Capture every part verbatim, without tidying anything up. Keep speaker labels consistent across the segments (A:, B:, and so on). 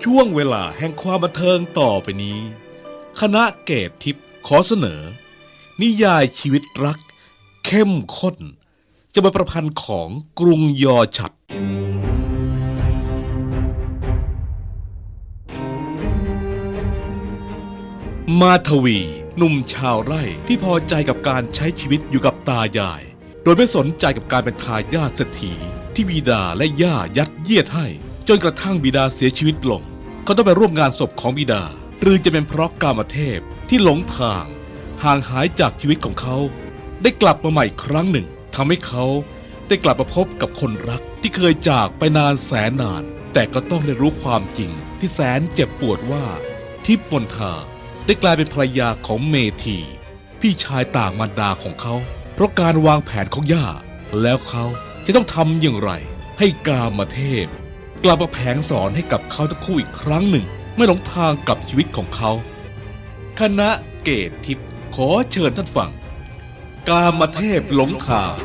A: ช่วงเวลาแห่งความบันเทิงต่อไปนี้คณะเกตทิพย์ขอเสนอนิยายชีวิตรักเข้มข้นจะเป็นประพันธ์ของกรุงยอฉัตรมาทวีหนุ่มชาวไร่ที่พอใจกับการใช้ชีวิตอยู่กับตายายโดยไม่สนใจกับการเป็นทายาทเศรษฐีที่บิดาและย่ายัดเยียดให้จนกระทั่งบิดาเสียชีวิตลงเขาต้องไปร่วมงานศพของบิดาหรือจะเป็นเพราะกามเทพที่หลงทางห่างหายจากชีวิตของเขาได้กลับมาใหม่ครั้งหนึ่งทำให้เขาได้กลับมาพบกับคนรักที่เคยจากไปนานแสนนานแต่ก็ต้องได้รู้ความจริงที่แสนเจ็บปวดว่าทิพย์มนทาได้กลายเป็นภรรยาของเมธีพี่ชายต่างมารดาของเขาเพราะการวางแผนของย่าแล้วเขาจะต้องทำอย่างไรให้กามเทพกลับมาแผงสอนให้กับเขาทั้งคู่อีกครั้งหนึ่งไม่หลงทางกับชีวิตของเขาคณะเกตทิพย์ขอเชิญท่านฟังกามเทพหลงทาง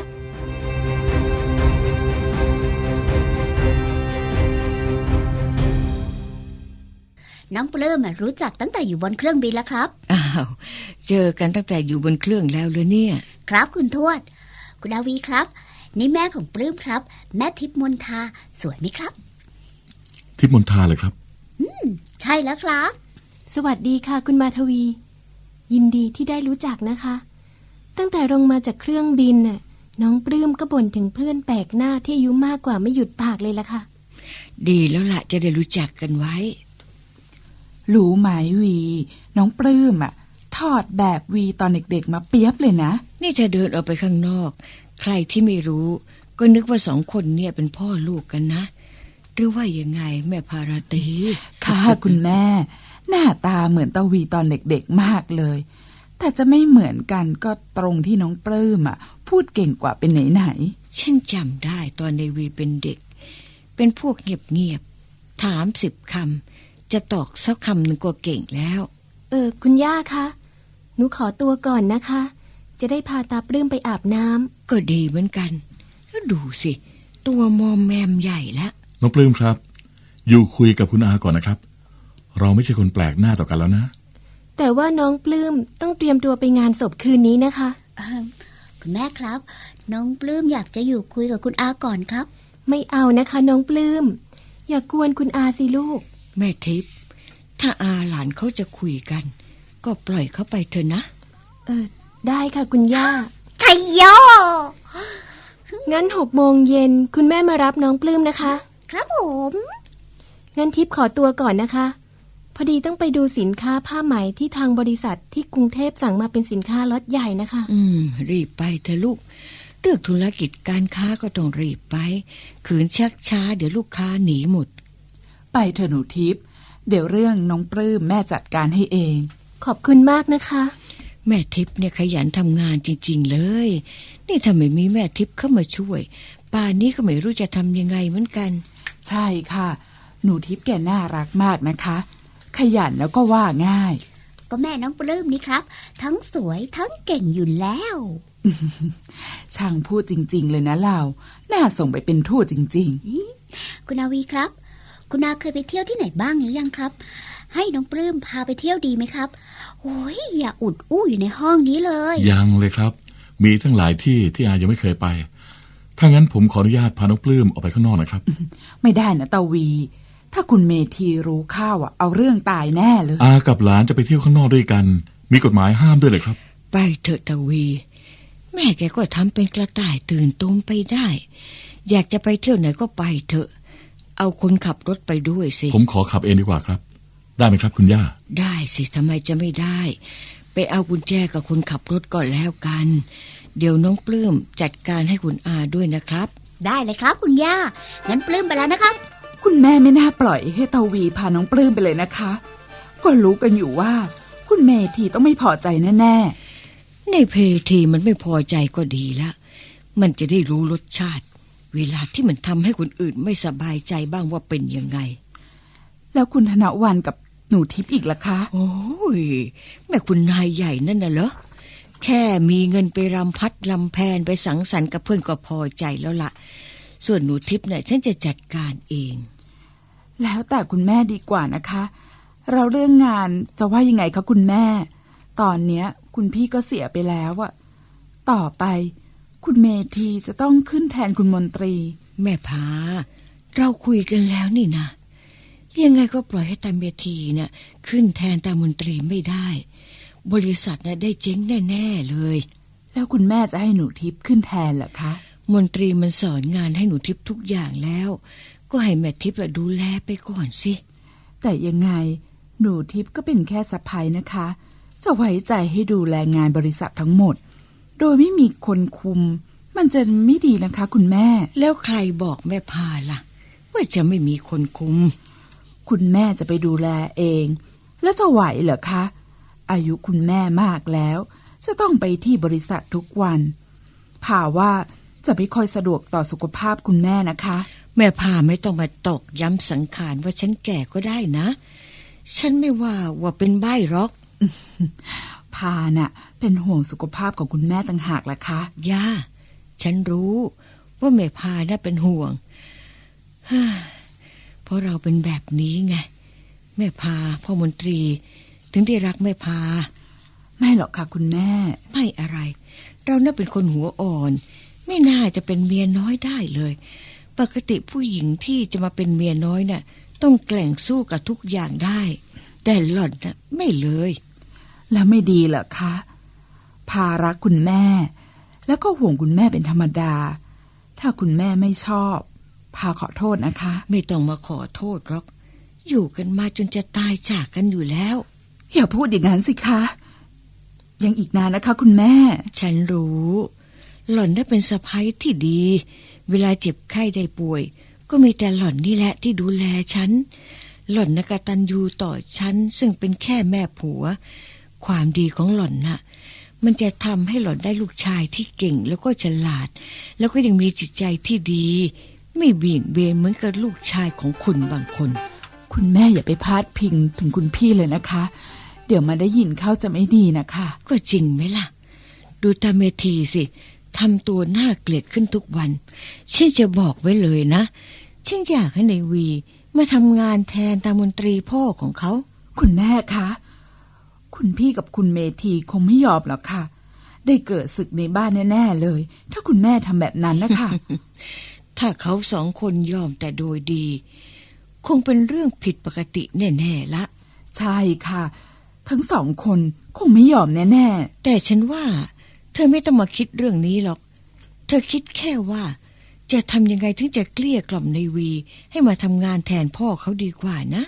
B: น้องปลื้มรู้จักตั้งแต่อยู่บนเครื่องบินแล้วครับ
C: อ้าวเจอกันตั้งแต่อยู่บนเครื่องแล้วเลยเนี่ย
B: ครับคุณทวดคุณอาวีครับนี่แม่ของปลื้มครับแม่ทิพย์มนทาสวยไหมครับ
D: ทิพย์มนทาเลยครับ
B: อืมใช่แล้วครับ
E: สวัสดีค่ะคุณมาทวียินดีที่ได้รู้จักนะคะตั้งแต่ลงมาจากเครื่องบินน่ะน้องปลื้มก็บ่นถึงเพื่อนแปลกหน้าที่อายุมากกว่าไม่หยุดปากเลยล่ะค่ะ
C: ดีแล้วล่ะจะได้รู้จักกันไว้
F: รู้ไหมวีน้องปลื้มอ่ะถอดแบบวีตอนเด็กๆมาเปียบเลยนะ
C: นี่จะเดินออกไปข้างนอกใครที่ไม่รู้ก็นึกว่าสองคนเนี่ยเป็นพ่อลูกกันนะหรือว่ายังไงแม่ภาราตรี
F: ค่ะคุณแม่หน้าตาเหมือนตาวีตอนเด็กๆมากเลยแต่จะไม่เหมือนกันก็ตรงที่น้องปลื้มอ่ะพูดเก่งกว่าเป็นไหน
C: ๆฉันจำได้ตอนในวีเป็นเด็กเป็นพวกเงียบๆถามสิบคำจะตอกสักคำหนึ่งก็เก่งแล้ว
E: เออคุณย่าคะหนูขอตัวก่อนนะคะจะได้พาตาปลื้มไปอาบน้ำ
C: ก็ดีเหมือนกันแล้วดูสิตัวมอมแมมใหญ่แล้ว
D: น้องปลื้มครับอยู่คุยกับคุณอาก่อนนะครับเราไม่ใช่คนแปลกหน้าต่อกันแล้วนะ
E: แต่ว่าน้องปลื้มต้องเตรียมตัวไปงานศพคืนนี้นะคะ
B: คุณแม่ครับน้องปลื้มอยากจะอยู่คุยกับคุณอาก่อนครับ
E: ไม่เอานะคะน้องปลื้มอย่ากวนคุณอาสิลูก
C: แม่ทิพย์ถ้าอาหลานเขาจะคุยกันก็ปล่อยเขาไปเถอะนะ
E: เออได้ค่ะคุณย่า
B: ชัยโย
E: งั้นหกโมงเย็นคุณแม่มารับน้องปลื้มนะคะ
B: ครับผม
E: งั้นทิพย์ขอตัวก่อนนะคะพอดีต้องไปดูสินค้าผ้าไหมที่ทางบริษัทที่กรุงเทพสั่งมาเป็นสินค้าล็อตใหญ่นะคะ
C: อืมรีบไปเถอะลูกเรื่องธุรกิจการค้าก็ต้องรีบไปขืนชักช้าเดี๋ยวลูกค้าหนีหมด
F: ไปเถอะหนูทิพย์เดี๋ยวเรื่องน้องปลื้มแม่จัดการให้เอง
E: ขอบคุณมากนะคะ
C: แม่ทิพย์เนี่ยขยันทำงานจริงๆเลยนี่ถ้าไม่มีแม่ทิพย์เข้ามาช่วยป่านนี้ก็ไม่รู้จะทำยังไงเหมือนกัน
F: ใช่ค่ะหนูทิพย์แกน่ารักมากนะคะขยันแล้วก็ว่าง่าย
B: ก็แม่น้องปลื้มนี่ครับทั้งสวยทั้งเก่งอยู่แล้ว
F: ช่างพูดจริงๆเลยนะเราน่าส่งไปเป็นทูตจริง
B: ๆคุณอาวีครับคุณอาเคยไปเที่ยวที่ไหนบ้างหรือยังครับให้น้องปลื้มพาไปเที่ยวดีไหมครับโอ้ยอย่าอุดอู้อยู่ในห้องนี้เลย
D: ยังเลยครับมีทั้งหลายที่ที่อายังไม่เคยไปถ้างั้นผมขออนุญาตพาน้องปลื้มออกไปข้างนอกนะครับ
F: ไม่ได้นะตาวีถ้าคุณเมธีรู้ข้าวอ่ะเอาเรื่องตายแน่เลย
D: อากับหลานจะไปเที่ยวข้างนอกด้วยกันมีกฎหมายห้ามด้วยเลยครับ
C: ไปเถอะตาวีแม่แกก็ทำเป็นกระต่ายตื่นตูมไปได้อยากจะไปเที่ยวไหนก็ไปเถอะเอาคนขับรถไปด้วยสิ
D: ผมขอขับเองดีกว่าครับได้ไหมครับคุณย่า
C: ได้สิทำไมจะไม่ได้ไปเอากุญแจกับคนขับรถก่อนแล้วกันเดี๋ยวน้องปลื้มจัดการให้คุณอาด้วยนะครับ
B: ได้เลยครับคุณย่างั้นปลื้มไปแล้วนะครับ
F: คุณแม่ไม่น่าปล่อยให้ตาวีพาน้องปลื้มไปเลยนะคะก็รู้กันอยู่ว่าคุณเมธีต้องไม่พอใจแน่
C: ๆในเพทีมันไม่พอใจก็ดีละมันจะได้รู้รสชาติเวลาที่มันทำให้คนอื่นไม่สบายใจบ้างว่าเป็นยังไง
F: แล้วคุณธนวันกับหนูทิพย์อีกล่ะคะ
C: โอ้ยแม่คุณนายใหญ่นั่นน่ะเหรอแค่มีเงินไปรำพัดรำแพนไปสังสรรค์กับเพื่อนก็พอใจแล้วล่ะส่วนหนูทิพย์เนี่ยฉันจะจัดการเอง
F: แล้วแต่คุณแม่ดีกว่านะคะ เราเรื่องงานจะว่ายังไงคะคุณแม่ตอนเนี้ยคุณพี่ก็เสียไปแล้วอะต่อไปคุณเมธีจะต้องขึ้นแทนคุณมนตรี
C: แม่พาเราคุยกันแล้วนี่นะยังไงก็ปล่อยให้ตาเมธีเนี่ยขึ้นแทนตามนตรีไม่ได้บริษัทน่ะได้เจ๊งแน่ๆเลย
F: แล้วคุณแม่จะให้หนูทิพย์ขึ้นแทนเหรอคะ
C: มนตรีมันสอนงานให้หนูทิพย์ทุกอย่างแล้วก็ให้แม่ทิพย์ดูแลไปก่อนสิ
F: แต่ยังไงหนูทิพย์ก็เป็นแค่สะใภ้นะคะจะไว้ใจให้ดูแลงานบริษัททั้งหมดโดยไม่มีคนคุมมันจะไม่ดีนะคะคุณแม่
C: แล้วใครบอกแม่พาล่ะว่าจะไม่มีคนคุม
F: คุณแม่จะไปดูแลเองแล้วจะไหวเหรอคะอายุคุณแม่มากแล้วจะต้องไปที่บริษัททุกวันพาว่าจะไม่ค่อยสะดวกต่อสุขภาพคุณแม่นะคะ
C: แม่พาไม่ต้องมาตอกย้ำสังขารว่าฉันแก่ก็ได้นะฉันไม่ว่าว่าเป็นใบ้หรอก
F: พาน่ะเป็นห่วงสุขภาพของคุณแม่ต่างหากล่ะคะ
C: ย่าฉันรู้ว่าแม่พาน่ะเป็นห่วงเพราะเราเป็นแบบนี้ไงแม่พาพ่อมนตรีถึงได้รักแม่พา
F: ไม่หรอกค่ะคุณแม่
C: ไม่อะไรเราน่ะเป็นคนหัวอ่อนไม่น่าจะเป็นเมียน้อยได้เลยปกติผู้หญิงที่จะมาเป็นเมียน้อยน่ะต้องแกร่งสู้กับทุกอย่างได้แต่หล่อนน่ะไม่เลย
F: แล้วไม่ดีเหรอคะพารักคุณแม่แล้วก็ห่วงคุณแม่เป็นธรรมดาถ้าคุณแม่ไม่ชอบพาขอโทษนะคะ
C: ไม่ต้องมาขอโทษหรอกอยู่กันมาจนจะตายจากกันอยู่แล้ว
F: อย่าพูดอย่างนั้นสิคะยังอีกนานนะคะคุณแม่
C: ฉันรู้หล่อนได้เป็นสะใภ้ที่ดีเวลาเจ็บไข้ได้ป่วยก็มีแต่หล่อนนี่แหละที่ดูแลฉันหล่อนน่ะกตัญญูต่อฉันซึ่งเป็นแค่แม่ผัวความดีของหล่อนน่ะมันจะทำให้หล่อนได้ลูกชายที่เก่งแล้วก็ฉลาดแล้วก็ยังมีจิตใจที่ดีไม่เบี่ยงเบนเหมือนกับลูกชายของคุณบางคน
F: คุณแม่อย่าไปพาดพิงถึงคุณพี่เลยนะคะเดี๋ยวมาได้ยินเข้าจะไม่ดีนะคะ
C: ก็จริงไหมล่ะดูตาเมธีสิทำตัวน่าเกลียดขึ้นทุกวันฉันจะบอกไว้เลยนะฉันอยากให้ในวีมาทำงานแทนตามนตรีพ่อของเขา
F: คุณแม่คะคุณพี่กับคุณเมธีคงไม่ยอมหรอกค่ะได้เกิดศึกในบ้านแน่ๆเลยถ้าคุณแม่ทำแบบนั้นนะคะ
C: ถ้าเขาสองคนยอมแต่โดยดีคงเป็นเรื่องผิดปกติแน่ๆละ
F: ใช่ค่ะทั้งสองคนคงไม่ยอมแน่
C: ๆแต่ฉันว่าเธอไม่ต้องมาคิดเรื่องนี้หรอกเธอคิดแค่ว่าจะทำยังไงถึงจะเกลี้ยกล่อมในวีให้มาทำงานแทนพ่อเขาดีกว่านะ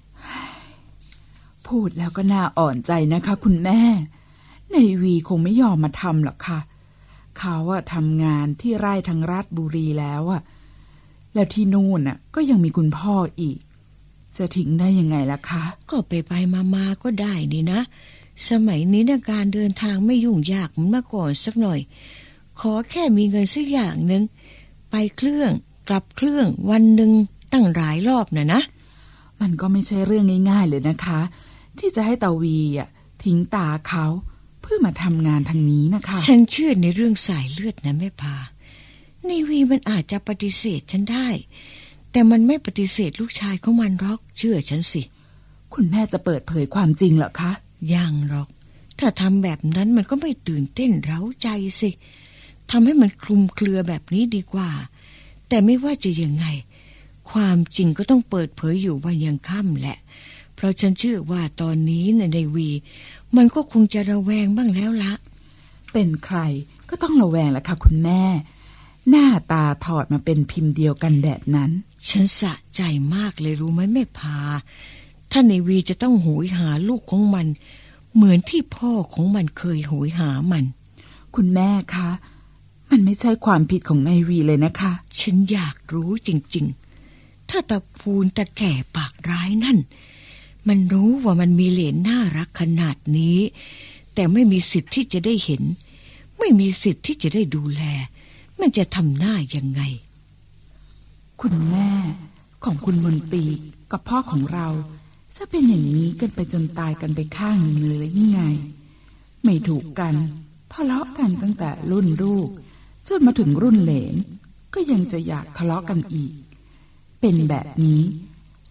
F: พูดแล้วก็น่าอ่อนใจนะคะคุณแม่ในวีคงไม่ยอมมาทำหรอกค่ะเขาอะทำงานที่ไร่ทางราชบุรีแล้วอะแล้วที่นู่นอะก็ยังมีคุณพ่ออีกจะทิ้งได้ยังไงล่ะคะ
C: ก็ไปไปมามาก็ได้นี่นะสมัยนี้นะการเดินทางไม่ยุ่งยากเหมือนเมื่อก่อนสักหน่อยขอแค่มีเงินสักอย่างนึงไปเครื่องกลับเครื่องวันหนึ่งตั้งหลายรอบนะนะ
F: มันก็ไม่ใช่เรื่องง่ายๆเลยนะคะที่จะให้ตาวีอ่ะทิ้งตาเขาเพื่อมาทำงานทางนี้นะคะ
C: ฉันเชื่อในเรื่องสายเลือดนะแม่พาในวีมันอาจจะปฏิเสธฉันได้แต่มันไม่ปฏิเสธลูกชายของมันหรอกเชื่อฉันสิ
F: คุณแม่จะเปิดเผยความจริงเหรอคะ
C: ยังหรอกถ้าทำแบบนั้นมันก็ไม่ตื่นเต้นเร้าใจสิทำให้มันคลุมเครือแบบนี้ดีกว่าแต่ไม่ว่าจะยังไงความจริงก็ต้องเปิดเผยอยู่วันยังค่ำแหละเพราะฉันเชื่อว่าตอนนี้ในในวีมันก็คงจะระแวงบ้างแล้วละ
F: เป็นใครก็ต้องระแวงแหละค่ะคุณแม่หน้าตาถอดมาเป็นพิมพ์เดียวกันแบบนั้น
C: ฉันสะใจมากเลยรู้ไหมแม่พาถ้าในวีจะต้องโหยหาลูกของมันเหมือนที่พ่อของมันเคยโหยหามัน
F: คุณแม่คะมันไม่ใช่ความผิดของนายวีเลยนะคะ
C: ฉันอยากรู้จริงๆถ้าตาพูนตาแก่ปากร้ายนั่นมันรู้ว่ามันมีเหลนน่ารักขนาดนี้แต่ไม่มีสิทธิ์ที่จะได้เห็นไม่มีสิทธิ์ที่จะได้ดูแลมันจะทำหน้ายังไง
F: คุณแม่ของคุณมนตรีกับพ่อของเราจะเป็นอย่างนี้กันไปจนตายกันไปข้างหนึ่งเลยยังไงไม่ถูกกันทะเลาะกันตั้งแต่รุ่นลูกจนมาถึงรุ่นเหลนก็ยังจะอยากทะเลาะกันอีกเป็นแบบนี้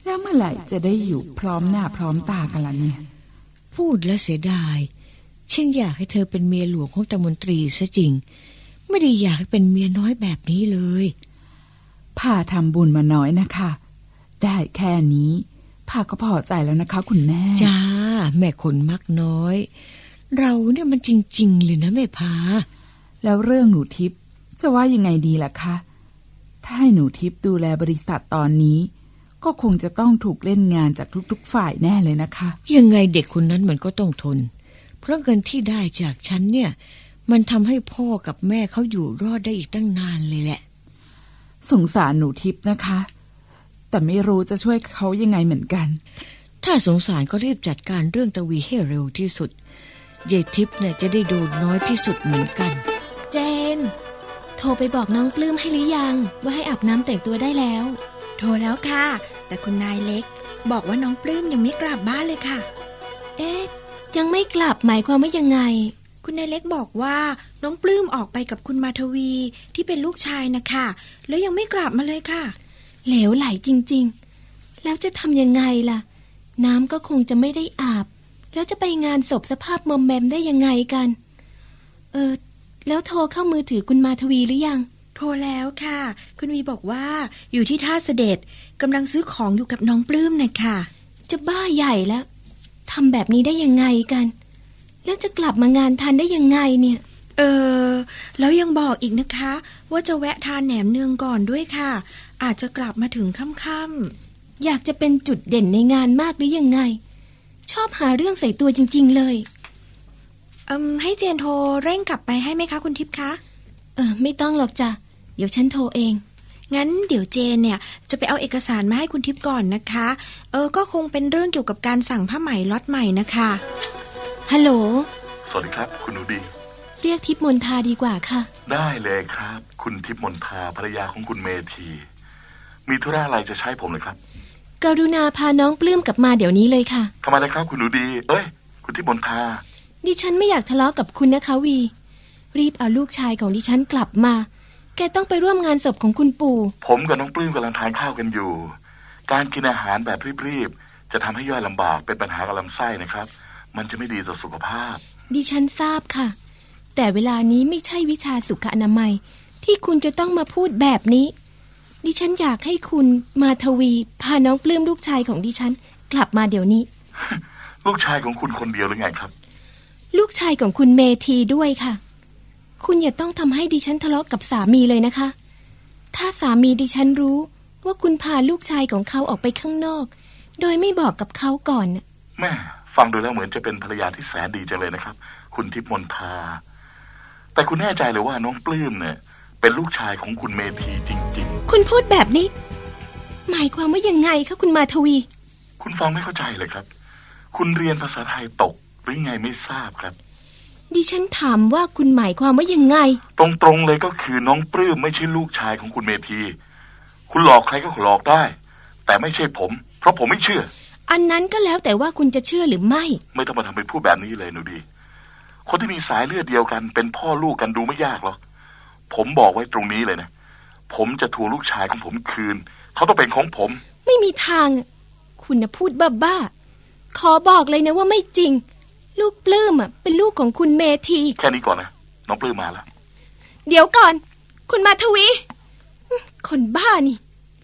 F: แล้วเมื่อไหร่จะได้อยู่พร้อมหน้าพร้อมตากันล่ะเนี่ย
C: พูดแล้วเสียดายฉันอยากให้เธอเป็นเมียหลวงของตามนตรีซะจริงไม่ได้อยากให้เป็นเมียน้อยแบบนี้เลย
F: ผ่าทำบุญมาน้อยนะคะได้แค่นี้ผ่าก็พอใจแล้วนะคะคุณแม่
C: จ้าแม่คนมักน้อยเราเนี่ยมันจริงๆเลยนะแม่พา
F: แล้วเรื่องหนูทิพย์จะว่ายังไงดีล่ะคะถ้าให้หนูทิพย์ดูแลบริษัทตอนนี้ก็คงจะต้องถูกเล่นงานจากทุกๆฝ่ายแน่เลยนะคะ
C: ยังไงเด็กคนนั้นมันก็ต้องทนเพราะเงินที่ได้จากฉันเนี่ยมันทำให้พ่อกับแม่เขาอยู่รอดได้อีกตั้งนานเลยแหละ
F: สงสารหนูทิพย์นะคะแต่ไม่รู้จะช่วยเขายังไงเหมือนกัน
C: ถ้าสงสารก็รีบจัดการเรื่องตวีให้เร็วที่สุดยายทิพย์เนี่ยจะได้โดนน้อยที่สุดเหมือนกัน
E: เจนโทรไปบอกน้องปลื้มให้หรือยังว่าให้อาบน้ำแต่งตัวได้แล้ว
G: โทรแล้วค่ะแต่คุณนายเล็กบอกว่าน้องปลื้มยังไม่กลับบ้านเลยค่ะ
E: เอ๊ะยังไม่กลับหมายความว่ายังไง
G: คุณนายเล็กบอกว่าน้องปลื้มออกไปกับคุณมาทวีที่เป็นลูกชายนะคะแล้วยังไม่กลับมาเลยค่ะ
E: เหลวไหลจริงๆแล้วจะทำยังไงล่ะน้ำก็คงจะไม่ได้อาบแล้วจะไปงานศพสภาพมอมแมมได้ยังไงกันเออแล้วโทรเข้ามือถือคุณมาทวีหรือยัง
G: โทรแล้วค่ะคุณวีบอกว่าอยู่ที่ท่าเสด็จกำลังซื้อของอยู่กับน้องปลื้มนะคะ
E: จะบ้าใหญ่แล้วทำแบบนี้ได้ยังไงกันแล้วจะกลับมางานทันได้ยังไงเนี่ย
G: เออแล้วยังบอกอีกนะคะว่าจะแวะทานแหนมเนืองก่อนด้วยค่ะอาจจะกลับมาถึงค่ำ
E: ๆอยากจะเป็นจุดเด่นในงานมากหรือยังไงชอบหาเรื่องใส่ตัวจริงๆเลย
G: เอืมให้เจนโทรเร่งกลับไปให้ไหมคะคุณทิพย์คะ
E: เออไม่ต้องหรอกจ้ะเดี๋ยวฉันโทรเอง
G: งั้นเดี๋ยวเจนเนี่ยจะไปเอาเอกสารมาให้คุณทิพย์ก่อนนะคะเออก็คงเป็นเรื่องเกี่ยวกับการสั่งผ้าไหมล็อตใหม่นะคะ
E: ฮัลโหล
H: สวัสดีครับคุณหนูดี
E: เรียกทิพย์มนทาดีกว่าค่ะ
H: ได้เลยครับคุณทิพย์มนทาภรรยาของคุณเมธีมีธุระอะไรจะใช้ผมเลยครับ
E: กรุณาพาน้องปลื้มกลับมาเดี๋ยวนี้เลยค่ะ
H: ทำไมล่ะครับคุณหนูดีเอ้ยคุณทิพย์มนทา
E: ดิฉันไม่อยากทะเลาะกับคุณนะคะวีรีบเอาลูกชายของดิฉันกลับมาแกต้องไปร่วมงานศพของคุณปู่
H: ผมกับน้องปลื้มกำลังทานข้าวกันอยู่การกินอาหารแบบรีบๆจะทำให้ย่อยลำบากเป็นปัญหากับลำไส้นะครับมันจะไม่ดีต่อสุขภาพ
E: ดิฉันทราบค่ะแต่เวลานี้ไม่ใช่วิชาสุขอนามัยที่คุณจะต้องมาพูดแบบนี้ดิฉันอยากให้คุณมาทวีพาน้องปลื้มลูกชายของดิฉันกลับมาเดี๋ยวนี้
H: ลูกชายของคุณคนเดียวหรือไงครับ
E: ลูกชายของคุณเมธีด้วยค่ะคุณอย่าต้องทำให้ดิฉันทะเลาะกับสามีเลยนะคะถ้าสามีดิฉันรู้ว่าคุณพาลูกชายของเขาออกไปข้างนอกโดยไม่บอกกับเขาก่อน
H: แม่ฟังดูแล้วเหมือนจะเป็นภรรยาที่แสนดีจังเลยนะครับคุณทิพย์มนทาแต่คุณแน่ใจเลยว่าน้องปลื้มเนี่ยเป็นลูกชายของคุณเมธีจริงๆ
E: คุณพูดแบบนี้หมายความว่ายังไงคะคุณมาทวี
H: คุณฟังไม่เข้าใจเลยครับคุณเรียนภาษาไทยตกหรือไงไม่ทราบครับ
E: ดิฉันถามว่าคุณหมายความว่ายังไง
H: ตรงๆเลยก็คือน้องปลื้มไม่ใช่ลูกชายของคุณเมธีคุณหลอกใครก็หลอกได้แต่ไม่ใช่ผมเพราะผมไม่เชื่อ
E: อันนั้นก็แล้วแต่ว่าคุณจะเชื่อหรือไม่
H: ไม่ต้องมาทำเป็นพูดแบบนี้เลยหนูดีคนที่มีสายเลือดเดียวกันเป็นพ่อลูกกันดูไม่ยากหรอกผมบอกไว้ตรงนี้เลยนะผมจะทวงลูกชายของผมคืนเขาต้องเป็นของผม
E: ไม่มีทางคุณน่ะพูดบ้าๆขอบอกเลยนะว่าไม่จริงลูกปลื้มอ่ะเป็นลูกของคุณเมธี
H: แค่นี้ก่อนนะน้องปลื้มมาแล้ว
E: เดี๋ยวก่อนคุณมาทวีคนบ้านี่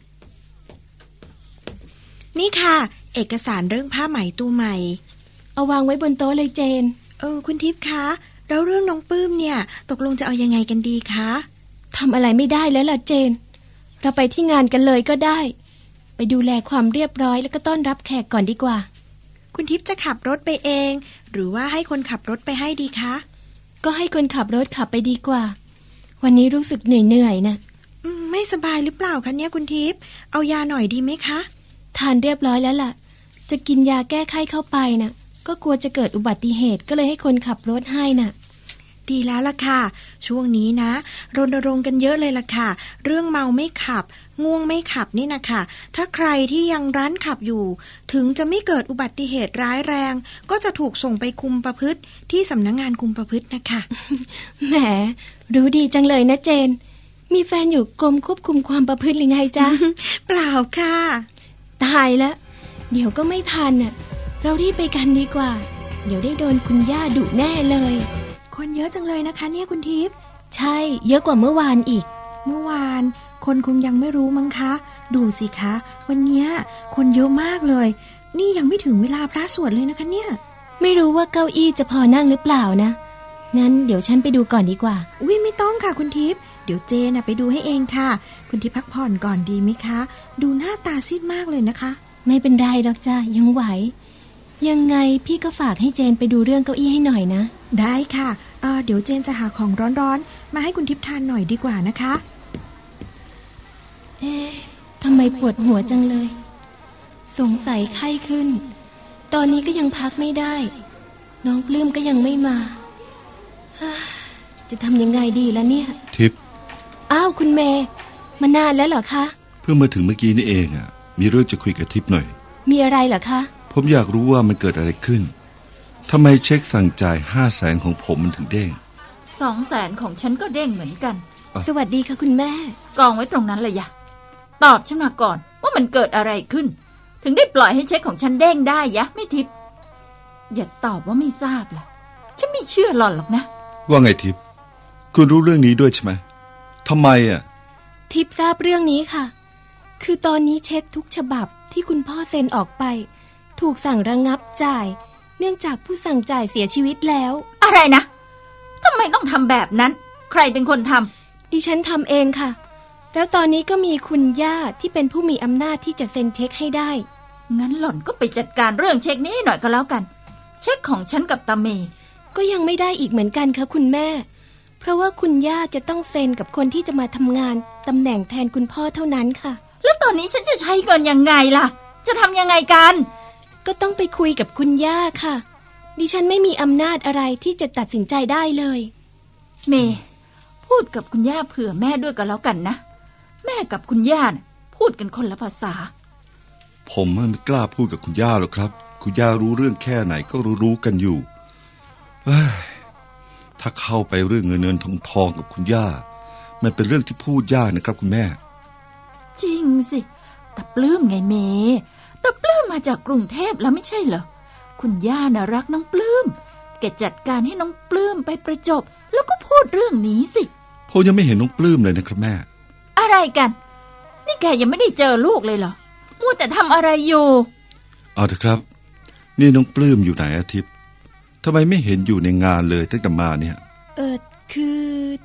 G: นี่ค่ะเอกสารเรื่องผ้าไหมตัวใหม่
E: เอาวางไว้บนโต๊ะเลยเจน
G: เออคุณทิพย์คะแล้วเรื่องน้องปลื้มเนี่ยตกลงจะเอายังไงกันดีคะ
E: ทำอะไรไม่ได้แล้วล่ะเจนเราไปที่งานกันเลยก็ได้ไปดูแลความเรียบร้อยแล้วก็ต้อนรับแขกก่อนดีกว่า
G: คุณทิพย์จะขับรถไปเองหรือว่าให้คนขับรถไปให้ดีคะ
E: ก็ให้คนขับรถขับไปดีกว่าวันนี้รู้สึกเหนื่อยๆนะ
G: ไม่สบายหรือเปล่าคะเนี่ยคุณทิพย์เอายาหน่อยดีไหมคะ
E: ทานเรียบร้อยแล้วล่ะจะกินยาแก้ไข้เข้าไปน่ะก็กลัวจะเกิดอุบัติเหตุก็เลยให้คนขับรถให้น่ะ
G: ดีแล้วล่ะค่ะช่วงนี้นะรณรงค์กันเยอะเลยล่ะค่ะเรื่องเมาไม่ขับง่วงไม่ขับนี่นะคะถ้าใครที่ยังรั้นขับอยู่ถึงจะไม่เกิดอุบัติเหตุร้ายแรงก็จะถูกส่งไปคุมประพฤติที่สำนักงานคุมประพฤตินะคะ
E: แหมรู้ดีจังเลยนะเจนมีแฟนอยู่กรมควบคุมความประพฤติหรือไงจ๊ะ
G: เปล่าค่ะ
E: ตายแล้วเดี๋ยวก็ไม่ทันน่ะเรารีบไปกันดีกว่าเดี๋ยวได้โดนคุณย่าดุแน่เลย
G: คนเยอะจังเลยนะคะเนี่ยคุณทิพย์
E: ใช่เยอะกว่าเมื่อวานอีก
G: เมื่อวานคนคงยังไม่รู้มั้งคะดูสิคะวันเนี้ยคนเยอะมากเลยนี่ยังไม่ถึงเวลาพระสวดเลยนะคะเนี่ย
E: ไม่รู้ว่าเก้าอี้จะพอนั่งหรือเปล่านะงั้นเดี๋ยวฉันไปดูก่อนดีกว่า
G: อุ้ยไม่ต้องค่ะคุณทิพย์เดี๋ยวเจน่ะไปดูให้เองค่ะคุณทิพย์พักผ่อนก่อนดีไหมคะดูหน้าตาซีดมากเลยนะคะ
E: ไม่เป็นไรดอกจ้ายังไหวยังไงพี่ก็ฝากให้เจนไปดูเรื่องเก้าอี้ให้หน่อยนะ
G: ได้ค่ะเอ่อเดี๋ยวเจนจะหาของร้อนๆมาให้คุณทิพย์ทานหน่อยดีกว่านะคะ
E: เอ๊ะทำไมปวดหัวจังเลยสงสัยไข้ขึ้นตอนนี้ก็ยังพักไม่ได้น้องปลื้มก็ยังไม่มาจะทำยังไงดีล่ะเนี่ย
I: ทิพย์
E: อ้าวคุณเมย์มานานแล้วเหรอคะ
I: เพิ่งมาถึงเมื่อกี้นี่เองอ่ะมีเรื่องจะคุยกับทิพย์หน่อย
E: มีอะไรเหรอคะ
I: ผมอยากรู้ว่ามันเกิดอะไรขึ้นทำไมเช็คสั่งจ่ายห้าแสนของผมมันถึงเด้ง
J: สองแสนของฉันก็เด้งเหมือนกัน
E: สวัสดีค่ะคุณแม่
J: กองไว้ตรงนั้นเลยยะตอบฉันมาก่อนว่ามันเกิดอะไรขึ้นถึงได้ปล่อยให้เช็คของฉันเด้งได้ยะไม่ทิพย์อย่าตอบว่าไม่ทราบล่ะฉันไม่เชื่อหล่อนหรอกนะ
I: ว่าไงทิพย์คุณรู้เรื่องนี้ด้วยใช่ไหมทำไมอ่ะ
E: ทิพย์ทราบเรื่องนี้ค่ะคือตอนนี้เช็คทุกฉบับที่คุณพ่อเซ็นออกไปถูกสั่งระงับจ่ายเนื่องจากผู้สั่งจ่ายเสียชีวิตแล้ว
J: อะไรนะทำไมต้องทำแบบนั้นใครเป็นคนท
E: ำดิฉันทำเองค่ะแล้วตอนนี้ก็มีคุณย่าที่เป็นผู้มีอำนาจที่จะเซ็นเช็คให้ได้
J: งั้นหล่อนก็ไปจัดการเรื่องเช็คนี้ให้หน่อยก็แล้วกันเช็คของฉันกับตาเมย์
E: ก็ยังไม่ได้อีกเหมือนกันค่ะคุณแม่เพราะว่าคุณย่าจะต้องเซ็นกับคนที่จะมาทำงานตำแหน่งแทนคุณพ่อเท่านั้นค่ะ
J: แล้วตอนนี้ฉันจะใช้เงินยังไงล่ะจะทำยังไงกัน
E: ก็ต้องไปคุยกับคุณย่าค่ะดิฉันไม่มีอำนาจอะไรที่จะตัดสินใจได้เลย
J: เมย์พูดกับคุณย่าเผื่อแม่ด้วยก็แล้วกันนะแม่กับคุณย่านะพูดกันคนละภาษา
I: ผมไม่กล้าพูดกับคุณย่าหรอกครับคุณย่ารู้เรื่องแค่ไหนก็รู้รู้กันอยู่ถ้าเข้าไปเรื่องเงินเงินทองทองกับคุณย่ามันเป็นเรื่องที่พูดยากนะครับคุณแม่
J: จริงสิแต่ปลื้มไงเมย์แต่ปลื้มมาจากกรุงเทพแล้วไม่ใช่เหรอคุณย่าน่ะรักน้องปลื้มแกจัดการให้น้องปลื้มไปประจบแล้วก็พูดเรื่องนี้สิ
I: ผมยังไม่เห็นน้องปลื้มเลยนะครับแม่
J: อะไรกันนี่แกยังไม่ได้เจอลูกเลยเหรอมัวแต่ทำอะไรอยู่
I: เอาเถอะครับนี่น้องปลื้มอยู่ไหนอาทิตย์ทำไมไม่เห็นอยู่ในงานเลยตั้งแต่มาเนี่ย
E: เออคือ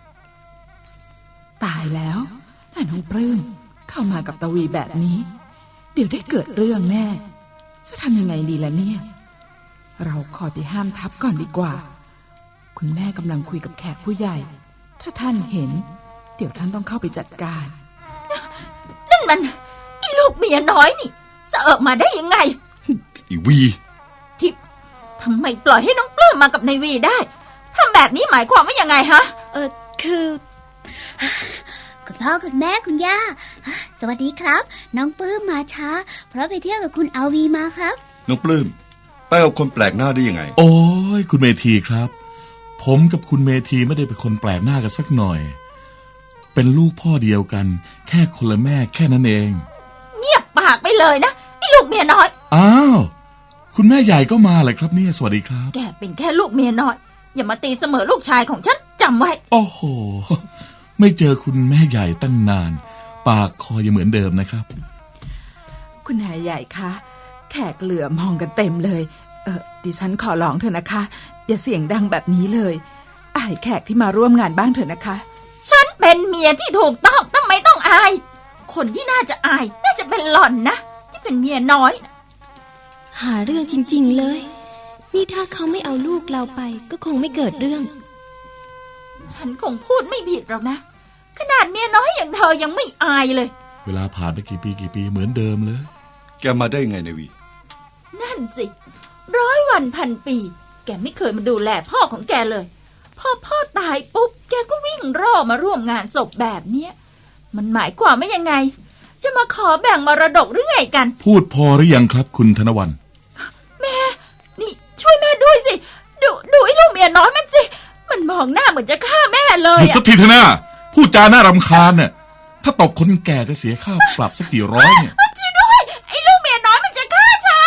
F: ตายแล้วถ้าน้องปลื้มเข้ามากับตะวีแบบนี้เดี๋ยวได้เกิดเรื่องแน่จะทำยังไงดีล่ะเนี่ยเราขอไปห้ามทับก่อนดีกว่าคุณแม่กำลังคุยกับแขกผู้ใหญ่ถ้าท่านเห็นเดี๋ยวท่านต้องเข้าไปจัดการ
J: นั่นมันไอ้ลูกเมียน้อยนี่เสอะมาได้ยังไง
I: อีวี
J: ทิพย์ทำไมปล่อยให้น้องปลื้มมากับนายวีได้ทำแบบนี้หมายความว่ายังไงฮะ
B: เออคือคุณพ่อคุณแม่คุณย่าสวัสดีครับน้องปลื้มมาช้าเพราะไปเที่ยวกับคุณอาวีมาครับ
I: น้องปลื้มไปกับคนแปลกหน้าได้ยังไง
A: โอ้ยคุณเมธีครับผมกับคุณเมธีไม่ได้เป็นคนแปลกหน้ากันสักหน่อยเป็นลูกพ่อเดียวกันแค่คนละแม่แค่นั้นเอง
J: เงียบปากไปเลยนะไอ้ลูกเมียน้อย
A: อ้าวคุณแม่ใหญ่ก็มาเลยครับเนี่ยสวัสดีครับ
J: แกเป็นแค่ลูกเมียน้อยอย่ามาตีเสมอลูกชายของฉันจำไว้
A: โอ้โหไม่เจอคุณแม่ใหญ่ตั้งนานปากคอยังเหมือนเดิมนะครับ
F: คุณนายใหญ่คะแขกเหลือมองกันเต็มเลยเออดิฉันขอร้องเถอะนะคะอย่าเสียงดังแบบนี้เลยอายแขกที่มาร่วมงานบ้างเถอะนะคะ
J: ฉันเป็นเมียที่ถูกต้องทำไมต้องอายคนที่น่าจะอายน่าจะเป็นหล่อนนะที่เป็นเมียน้อย
E: หาเรื่องจริงๆเลยนี่ถ้าเขาไม่เอาลูกเราไปก็คงไม่เกิดเรื่อง
J: ฉันคงพูดไม่ผิดหรอกนะขนาดเมียน้อยอย่างเธอยังไม่อายเลย
A: เวลาผ่านไปกี่ปีกี่ปีเหมือนเดิมเลย
I: แกมาได้ไงนายวี
J: นั่นสิร้อยวันพันปีแกไม่เคยมาดูแลพ่อของแกเลยพอพ่อตายปุ๊บแกก็วิ่งร่อมาร่วมงานศพแบบเนี้ยมันหมายความว่ายังไงจะมาขอแบ่งมรดกหรือไงกัน
A: พูดพอหรือยังครับคุณธนวรรณ
J: แม่นี่ช่วยแม่ด้วยสิดูดูไอ้ลูกเมียน้อยมันสิมันมองหน้าเหมือนจะฆ่าแม่เลย
A: หยุดสักทีเถอะนะพูดจาน่ารำคาญน่ะถ้าตบคนแก่จะเสียค่าปรับสักกี่ร้อยเนี่ย
J: ช่วยด้วยไอ้ลูกเมีย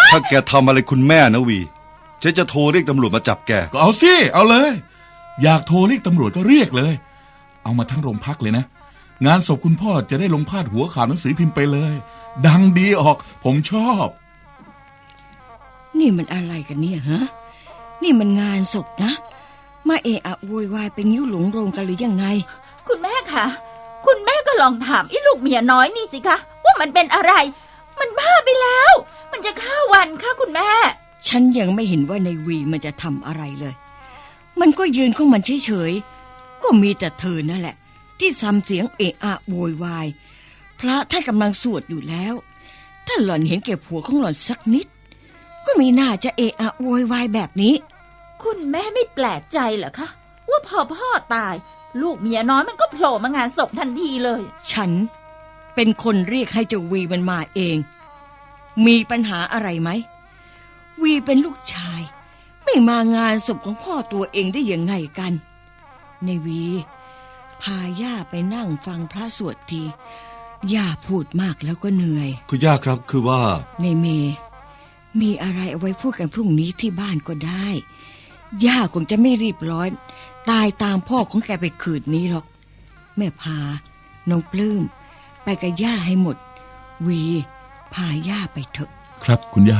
I: ถ้าแกทำอะไรคุณแม่นะวีฉันจะโทรเรียกตำรวจมาจับแก
D: ก็เอาสิเอาเลย อยากโทรเรียกตำรวจก็เรียกเลย เอามาทั้งโรงพักเลยนะงานศพคุณพ่อจะได้ลงพาดหัวข่าวหนังสือพิมพ์ไปเลย ดังดีออกผมชอบ
C: นี่มันอะไรกันเนี่ยฮะนี่มันงานศพนะมาเอะอะโวยวายเป็นนิ้วหลงโรงกันหรือยังไง
J: คุณแม่คะคุณแม่ก็ลองถามไอ้ลูกเมียน้อยนี่สิคะว่ามันเป็นอะไร มันบ้าไปแล้ว มันจะฆ่าวันค่ะคุณแม่
C: ฉันยังไม่เห็นว่าในวีมันจะทำอะไรเลย มันก็ยืนของมันเฉยๆก็มีแต่เธอนั่นแหละที่ซ้ำเสียงเอะอะโวยวายพระท่านกำลังสวดอยู่แล้วถ้าหล่อนเห็นแก่ผัวของหล่อนสักนิดก็มีน่าจะเอะอะโวยวายแบบนี้
J: คุณแม่ไม่แปลกใจเหรอคะว่าพอพ่อตายลูกเมียน้อยมันก็โผล่มางานศพทันทีเลย
C: ฉันเป็นคนเรียกให้เจ้าวีมันมาเองมีปัญหาอะไรไหมวีเป็นลูกชายไม่มางานศพของพ่อตัวเองได้ยังไงกันในวีพาย่าไปนั่งฟังพระสวดทีย่าพูดมากแล้วก็เหนื่อย
I: คุณย่าครับคือว่า
C: ในเมมีอะไรเอาไว้พูดกันพรุ่งนี้ที่บ้านก็ได้ย่าคงจะไม่รีบร้อนตายตามพ่อของแกไปคืนนี้หรอกแม่พาน้องปลื้มไปกับย่าให้หมดวีพาย่าไปเถอะ
D: ครับคุณย่า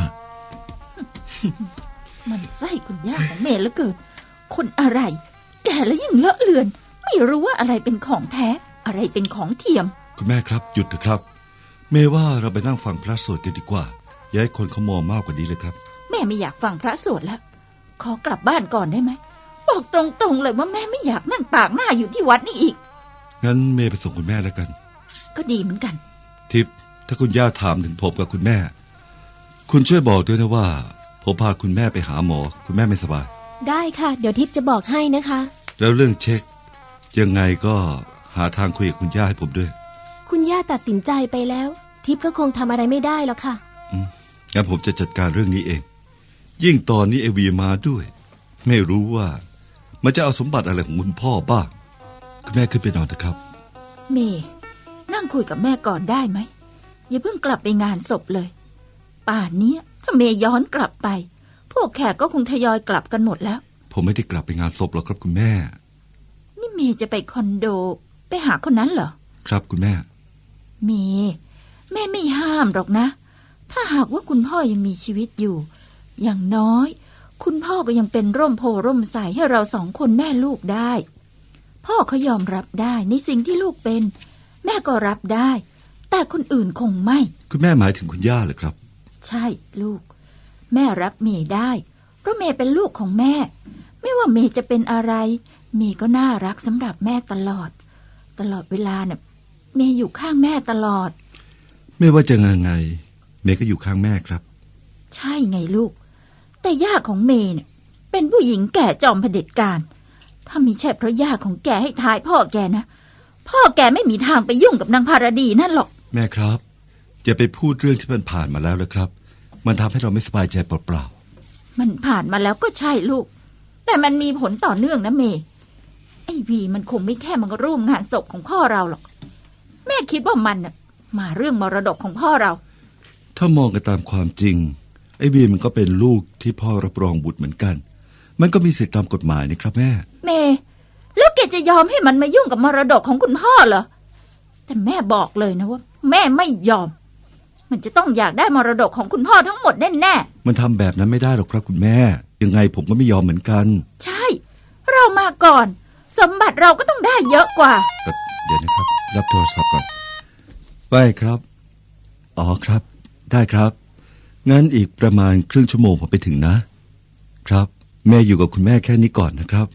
J: มันไส้คุณย่าของเมย์เหลือเกินคนอะไรแก่แล้วยิ่งเลอะเลือนไม่รู้ว่าอะไรเป็นของแท้อะไรเป็นของเทียม
I: คุณแม่ครับหยุดเถอะครับเมย์ว่าเราไปนั่งฟังพระสวดกันดีกว่าอย่าให้คนเขามองมากกว่านี้เลยครับ
J: แม่ไม่อยากฟังพระสวดแล้วขอกลับบ้านก่อนได้ไหมบอกตรงๆเลยว่าแม่ไม่อยากนั่งปากหน้าอยู่ที่วัดนี่อีก
I: งั้นเมย์ไปส่งคุณแม่แล้วกัน
J: ก็ดีเหมือนกัน
I: ทิพย์ถ้าคุณย่าถามถึงผมกับคุณแม่คุณช่วยบอกด้วยนะว่าผมพาคุณแม่ไปหาหมอคุณแม่ไม่สบาย
E: ได้ค่ะเดี๋ยวทิพย์จะบอกให้นะคะ
I: แล้วเรื่องเช็คยังไงก็หาทางคุยกับคุณย่าให้ผมด้วย
E: คุณย่าตัดสินใจไปแล้วทิพย์ก็คงทำอะไรไม่ได้หรอกค่ะ
I: อืมงั้นผมจะจัดการเรื่องนี้เองยิ่งตอนนี้เอวีมาด้วยไม่รู้ว่ามันจะเอาสมบัติอะไรของคุณพ่อบ้างคุณแม่ขึ้นไปนอนเถอะครับ
J: เมย์นั่งคุยกับแม่ก่อนได้ไหมอย่าเพิ่งกลับไปงานศพเลยป่านนี้ถ้าเมย์ย้อนกลับไปพวกแขกก็คงทยอยกลับกันหมดแล้ว
I: ผมไม่ได้กลับไปงานศพหรอกครับคุณแม่
J: นี่เมย์จะไปคอนโดไปหาคนนั้นเหรอ
I: ครับคุณแม่
J: เมย์แม่ไม่ห้ามหรอกนะถ้าหากว่าคุณพ่อยังมีชีวิตอยู่อย่างน้อยคุณพ่อก็ยังเป็นร่มโพร่มใสให้เราสองคนแม่ลูกได้พ่อเขายอมรับได้ในสิ่งที่ลูกเป็นแม่ก็รับได้แต่คนอื่นคงไม่
I: คุณแม่หมายถึงคุณย่าเหรอครับ
J: ใช่ลูกแม่รับเมย์ได้เพราะเมย์เป็นลูกของแม่ไม่ว่าเมย์จะเป็นอะไรเมย์ก็น่ารักสำหรับแม่ตลอดตลอดเวลาเนี่ยเมย์อยู่ข้างแม่ตลอด
I: ไม่ว่าจะยังไงเมย์ก็อยู่ข้างแม่ครับ
J: ใช่ไงลูกแต่ย่าของเมย์เนี่ยเป็นผู้หญิงแก่จอมเผด็จการถ้าไม่ใช่เพราะย่าของแกให้ทายพ่อแกนะพ่อแกไม่มีทางไปยุ่งกับนางภารดีนั่นหรอก
I: แม่ครับอย่าไปพูดเรื่องที่มันผ่านมาแล้วเลยครับมันทำให้เราไม่สบายใจเปล่า
J: ๆมันผ่านมาแล้วก็ใช่ลูกแต่มันมีผลต่อเนื่องนะเมย์ไอ้วีมันคงไม่แค่มาร่วมงานศพของพ่อเราหรอกแม่คิดว่ามันน่ะมาเรื่องมรดกของพ่อเรา
I: ถ้ามองกันตามความจริงไอ้วีมันก็เป็นลูกที่พ่อรับรองบุตรเหมือนกันมันก็มีสิทธิตามกฎหมายนี่ครับแม่
J: เมย์แล้วแกจะยอมให้มันมายุ่งกับมรดกของคุณพ่อเหรอแต่แม่บอกเลยนะว่าแม่ไม่ยอมมันจะต้องอยากได้มรดกของคุณพ่อทั้งหมดแน่
I: ๆมันทำแบบนั้นไม่ได้หรอกครับคุณแม่ยังไงผมก็ไม่ยอมเหมือนกัน
J: ใช่เรามาก่อนสมบัติเราก็ต้องได้เยอะกว่า
I: เดี๋ยวนะครับรับโทรศัพท์ก่อนไปครับอ๋อครับได้ครับงั้นอีกประมาณครึ่งชั่วโมงผมไปถึงนะครับแม่อยู่กับคุณแม่แค่นี้ก่อนนะครับ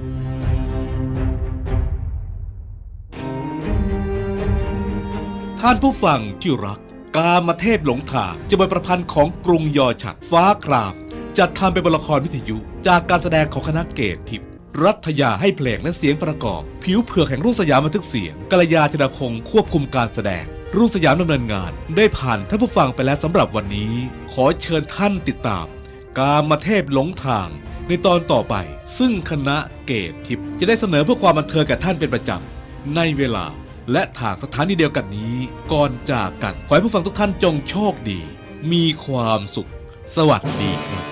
A: ท่านผู้ฟังที่รักกามเทพหลงทางจะเป็นประพันธ์ของกรุงยอฉัดฟ้าครามจัดทำเป็นละครวิทยุจากการแสดงของคณะเกตทิพย์รัฐยาให้เพลงและเสียงประกอบผิวเผือกแห่งรุ่งสยามบันทึกเสียงกัลยาธนคงควบคุมการแสดงรุ่งสยามดำเนินงานได้ผ่านท่านผู้ฟังไปแล้วสำหรับวันนี้ขอเชิญท่านติดตามกามเทพหลงทางในตอนต่อไปซึ่งคณะเกตทิพย์จะได้เสนอเพื่อความบันเทิงแก่ท่านเป็นประจำในเวลาและทางสถานีเดียวกันนี้ก่อนจากกันขอให้ผู้ฟังทุกท่านจงโชคดีมีความสุขสวัสดีครับ